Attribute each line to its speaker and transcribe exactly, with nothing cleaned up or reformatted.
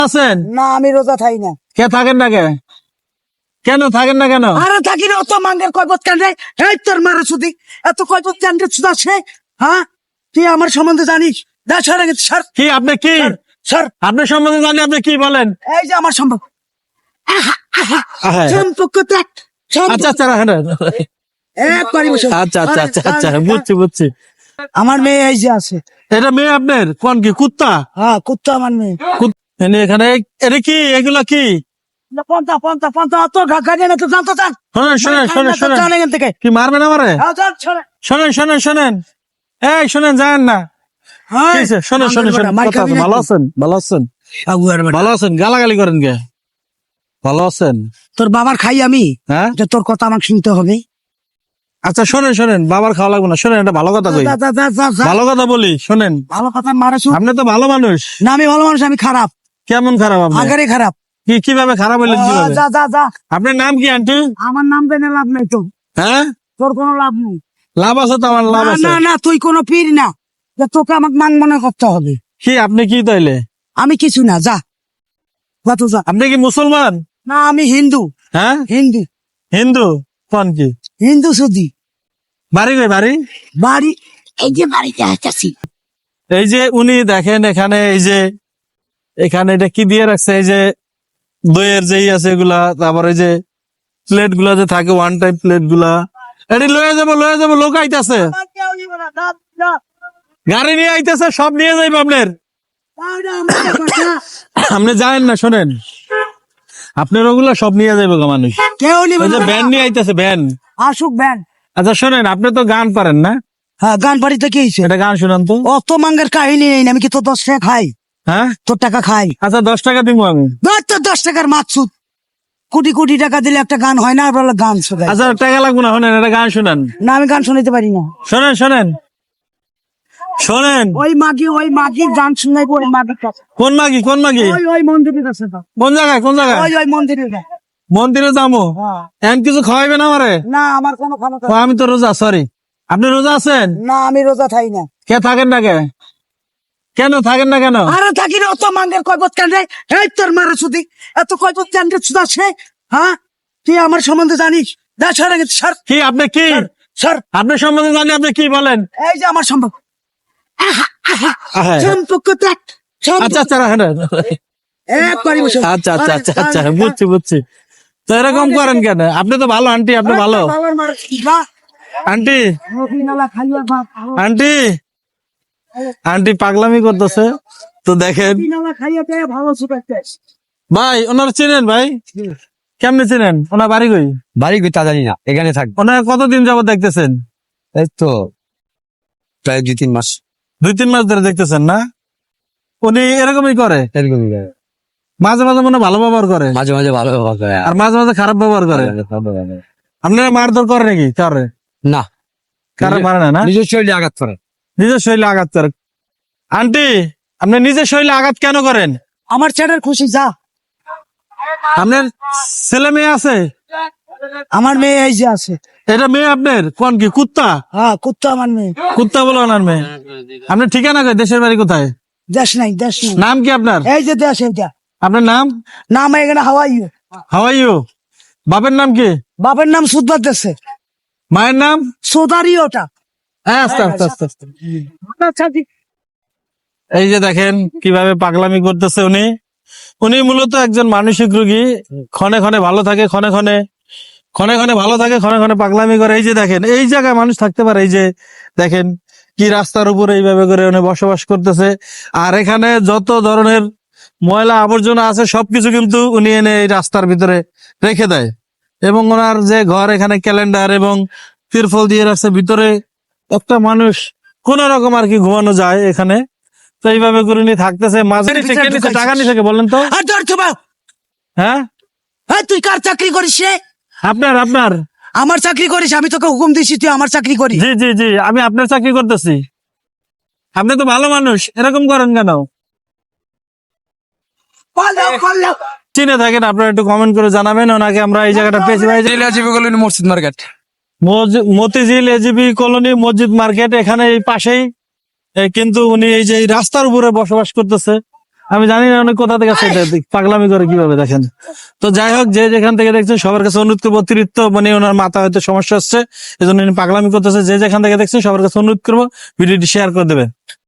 Speaker 1: আছেন
Speaker 2: না আমি রোজা থাই না।
Speaker 1: কে থাকেন না কে কেন থাকেন না কেন?
Speaker 2: আরে থাকি না অত মাঙ্গের কয়বত কেন রে? এই তোর মারা শুধু এত কয়বত কেন রে সুদা সে? হ্যাঁ তুই আমার সম্বন্ধে জানিস? দা সরে গেছে স্যার
Speaker 1: কি আপনি কি
Speaker 2: স্যার
Speaker 1: আপনার সম্বন্ধে জানি আপনি কি বলেন?
Speaker 2: এই যে আমার সম্পর্ক আহা, আহা,
Speaker 1: আহা।
Speaker 2: সম্পর্ক দেখ
Speaker 1: আচ্ছা আচ্ছা রাখেন, রাখেন।
Speaker 2: একবারই বসে
Speaker 1: আচ্ছা আচ্ছা আচ্ছা আচ্ছা বুঝছি বুঝছি।
Speaker 2: আমার মেয়ে এই যে আছে।
Speaker 1: এটা মেয়ে আপনার? কোন কি কুত্তা?
Speaker 2: হ্যাঁ কুত্তা আমার মেয়ে।
Speaker 1: কুত- এনে এখানে এটা কি এগুলা কি?
Speaker 2: পন্থা পন্থা পন্থা অত গাড়ি না তো জানতো জান
Speaker 1: শোনেন শোনেন শোনেন শোনেন
Speaker 2: জান এখান থেকে।
Speaker 1: কি মারবেন আমারে?
Speaker 2: হ্যাঁ, জান, শোনে।
Speaker 1: শোনেন শোনেন শোনেন এই শোনেন যায়েন না।
Speaker 2: হ্যাঁ,
Speaker 1: কি হয়েছে? শোনেন শোনেন শোনেন
Speaker 2: মার
Speaker 1: কথা
Speaker 2: খাবি
Speaker 1: আছে,
Speaker 2: নাকি?
Speaker 1: ভালো আছেন? ভালো আছেন?
Speaker 2: আগুয়ার বেটা।
Speaker 1: ভালো আছেন? গালাগালি করেন কে? ভালো আছেন?
Speaker 2: তোর বাবার খাই আমি
Speaker 1: হ্যাঁ
Speaker 2: যে তোর কথা আমাকে শুনতে হবে।
Speaker 1: আচ্ছা শোনেন শোনেন বাবার খাওয়া লাগবে না, শোনেন এটা ভালো কথা কই,
Speaker 2: যা, যা, যা, যা, যা।
Speaker 1: ভালো কথা বলি শোনেন।
Speaker 2: ভালো কথা মারা শুন।
Speaker 1: আপনি তো ভালো মানুষ।
Speaker 2: না আমি ভালো মানুষ, আমি খারাপ,
Speaker 1: কেমন খারাপ আপনি?
Speaker 2: আগারে খারাপ।
Speaker 1: কি কিভাবে খারাপ হইলেন
Speaker 2: আহ,
Speaker 1: কিভাবে?
Speaker 2: যা যা যা।
Speaker 1: আপনার নাম কি আন্টি?
Speaker 2: আমার নাম জেনে লাভ নেই তো,
Speaker 1: হ্যাঁ
Speaker 2: তোর কোনো লাভ নেই।
Speaker 1: লাভ আছে তো, আমার লাভ
Speaker 2: না
Speaker 1: আছে।
Speaker 2: না না তুই কোনো পীর না যে তোকে আমাকে মান মনে করতে হবে।
Speaker 1: কি আপনি কি তাইলে?
Speaker 2: আমি কিছু না, যা কত যা।
Speaker 1: আপনি কি মুসলমান?
Speaker 2: না আমি হিন্দু।
Speaker 1: হ্যাঁ
Speaker 2: হিন্দু
Speaker 1: হিন্দু। কোন কি
Speaker 2: হিন্দু সুদি।
Speaker 1: বাড়ি কই বাড়ি?
Speaker 2: বাড়ি এই যে বাড়িতে আসছি।
Speaker 1: এই যে উনি দেখেন এখানে, এই যে এখানে এটা কি দিয়ে রাখছে, এই যে দইয়ের যেই আছে এগুলা, তারপরে এই যে প্লেট গুলা যে থাকে ওয়ান টাইম প্লেট গুলা, এটি লয়ে যাবো লয়ে যাবো, লোক আইতাছে, গাড়ি নিয়ে আইতাছে, সব নিয়ে যাইবো আপনার। আপনি যায়েন না, শোনেন আপনার ওগুলা সব নিয়ে যাইবো গো মানুষ।
Speaker 2: কেউ নিবে
Speaker 1: ওই যে
Speaker 2: না।
Speaker 1: ভ্যান নিয়ে আইতাছে ভ্যান।
Speaker 2: আসুক ব্যান।
Speaker 1: আচ্ছা শোনেন, আপনি তো গান পারেন না?
Speaker 2: হ্যাঁ গান বাড়িতে কি হয়েছে?
Speaker 1: এটা গান শুনান তো।
Speaker 2: অত মাঙ্গের কাহিনী নেই, আমি কি তোর দশ টাকা খাই?
Speaker 1: হ্যাঁ
Speaker 2: তোর টাকা খাই?
Speaker 1: আচ্ছা দশ টাকা দিব আমি।
Speaker 2: ধর তোর দশ টাকার মাছুদ, কোটি কোটি টাকা দিলে একটা গান হয় না, আর বলে গান শোনায়।
Speaker 1: আচ্ছা টাকা লাগবো না, শোনেন এটা গান শুনান।
Speaker 2: না আমি গান শুনাইতে পারি না।
Speaker 1: শোনেন শোনেন শোনেন।
Speaker 2: ওই মাগি ওই মাগি গান শুনাই ওই মাগির কাছে।
Speaker 1: কোন মাগি কোন মাগি?
Speaker 2: ওই ওই মন্দিরের কাছে তো।
Speaker 1: কোন জায়গায় কোন জায়গায়?
Speaker 2: ওই ওই মন্দিরের কাছে।
Speaker 1: মন্দিরে যাবো।
Speaker 2: হ্যাঁ।
Speaker 1: এখন কিছু খাওয়াইবে না আমারে?
Speaker 2: না আমার কোনো ক্ষমতা
Speaker 1: ও, আমি তো রোজা, সরি। আপনি রোজা আছেন?
Speaker 2: না আমি রোজা থাই না।
Speaker 1: কে থাকেন না কে কেন থাকেন না কেন?
Speaker 2: আরে থাকি না অত মাঙ্গের কয়বত কেন রে? এই তোর মারা শুধু এত কয়বত কেন রে সুদা সে? হ্যাঁ তুই আমার সম্বন্ধে জানিস? দা সরে গেছে স্যার
Speaker 1: কি আপনি কি
Speaker 2: স্যার।
Speaker 1: আপনার সম্বন্ধে জানি আপনি কি বলেন?
Speaker 2: এই যে আমার সম্পর্ক আহা, আহা,
Speaker 1: আহা।
Speaker 2: সম্পর্ক দেখ সম্পর্ক-
Speaker 1: আচ্ছা আচ্ছা রাখেন, রাখেন।
Speaker 2: একবারই বসে।
Speaker 1: আচ্ছা আচ্ছা আচ্ছা আচ্ছা
Speaker 2: আরে,
Speaker 1: বুঝছি বুঝছি। তো এরকম করেন কেন? আপনি তো ভালো আন্টি, আপনি ভালো
Speaker 2: বাবার মারা যা,
Speaker 1: আন্টি।
Speaker 2: রবিনালা খাইয়া বাপ,
Speaker 1: আন্টি আন্টি পাগলামি করতেছে তো দেখেন।
Speaker 2: রবিনালা খাইয়া দেয় ভালো সুপারটেস।
Speaker 1: ভাই ওনার চেনেন? ভাই কেমনে চেনেন? ওনার বাড়ি কই?
Speaker 3: বাড়ি তা জানি না, এখানে থাকবে।
Speaker 1: ওনার কতদিন যাবত দেখতেছেন?
Speaker 3: এই তো প্রায় দুই তিন মাস
Speaker 1: দুই তিন মাস ধরে দেখতেছেন না? উনি এরকমই করে,
Speaker 3: এরকমই।
Speaker 1: মাঝে মাঝে মনে হয় ভালো ব্যবহার করে,
Speaker 3: মাঝে মাঝে ভালো ব্যবহার করে
Speaker 1: আর মাঝে মাঝে খারাপ ব্যবহার করে। আপনারা মারধর করে নাকি কারে?
Speaker 3: না,
Speaker 1: কারে মারে না না?
Speaker 3: নিজের শরীরে আঘাত করে।
Speaker 1: নিজের শরীরে আঘাত করে। আন্টি আপনি নিজের শরীরে আঘাত কেন করেন?
Speaker 2: আমার ছেলের খুশি যা।
Speaker 1: আপনার ছেলে মেয়ে আছে?
Speaker 2: আমার মেয়ে এই যে আছে।
Speaker 1: এটা মেয়ে আপনার? কোন কি কুত্তা?
Speaker 2: হ্যাঁ কুত্তা আমার মেয়ে।
Speaker 1: কুত্তা বলে ওনার মেয়ে। আপনার ঠিকানা কই? দেশের বাড়ি কোথায়?
Speaker 2: দেশ নাই দেশ নাই।
Speaker 1: নাম কি আপনার?
Speaker 2: এই যে দেশ এইটা।
Speaker 1: আপনার নাম?
Speaker 2: নাম এখানে হাওয়াই।
Speaker 1: How are you? বাপের নাম কি?
Speaker 2: বাপের নাম সুদবাদ দেশে,
Speaker 1: মায়ের নাম?
Speaker 2: সোদারি ওটা।
Speaker 1: হ্যাঁ, আস্তে আস্তে আস্তে আস্তে।
Speaker 2: আচ্ছা ঠিক।
Speaker 1: এই যে দেখেন কিভাবে পাগলামি করতেছে উনি। উনি মূলত একজন মানসিক রোগী, ক্ষণে ক্ষণে ভালো থাকে, ক্ষণে ক্ষণে ক্ষণে ক্ষণে ভালো থাকে, ক্ষণে ক্ষণে পাগলামি করে। এই যে দেখেন এই জায়গায় মানুষ থাকতে পারে, এই যে দেখেন কি রাস্তার উপরে এইভাবে করে উনি বসবাস করতেছে। আর এখানে যত ধরনের ময়লা আবর্জনা আছে সবকিছু কিন্তু উনি এনে এই রাস্তার ভিতরে রেখে দেয়। এবং ওনার যে ঘর, এখানে ক্যালেন্ডার এবং তিরফল দিয়ে রাখছে, ভিতরে একটা মানুষ কোন রকম আর কি ঘুমানো যায় এখানে। তো এইভাবে করে উনি থাকতেছে। মাঝে
Speaker 2: ভিতরে
Speaker 1: নিচে
Speaker 2: ঢুকাইছিস।
Speaker 1: টাকা নিচে বলেন তো।
Speaker 2: আর ধর তো বাউ।
Speaker 1: হ্যাঁ
Speaker 2: হ্যাঁ তুই কার চাকরি করিস রে?
Speaker 1: আপনার আপনার
Speaker 2: আমার চাকরি করিস? আমি তোকে হুকুম দিছি তুই আমার চাকরি করিস?
Speaker 1: জি জি জি আমি আপনার চাকরি করতেছি। আপনি তো ভালো মানুষ, এরকম করেন কেন?
Speaker 2: পালাও পালাও।
Speaker 1: চিনে থাকেন আপনারা একটু কমেন্ট করে জানাবেন। ওনাকে আমরা এই জায়গাটা পেয়েছি ভাই,
Speaker 3: মসজিদ মার্কেট,
Speaker 1: মসজি- মতিঝিল এজিবি কলোনি মসজিদ মার্কেট, এখানে এই পাশেই। এ, কিন্তু উনি এই যে এই রাস্তার উপরে বসবাস করতেছে। আমি জানি না উনি কোথা থেকে আসে, এটা পাগলামি করে কিভাবে দেখেন। তো যাই হোক, যে যেখান থেকে দেখছেন সবার কাছে অনুরোধ করবো, অতিরিক্ত মানে ওনার মাথা হয়তো সমস্যা হচ্ছে, এই জন্য উনি পাগলামি করতেছে। যে যেখান থেকে দেখছেন সবার কাছে অনুরোধ করবো ভিডিওটি শেয়ার করে দেবে।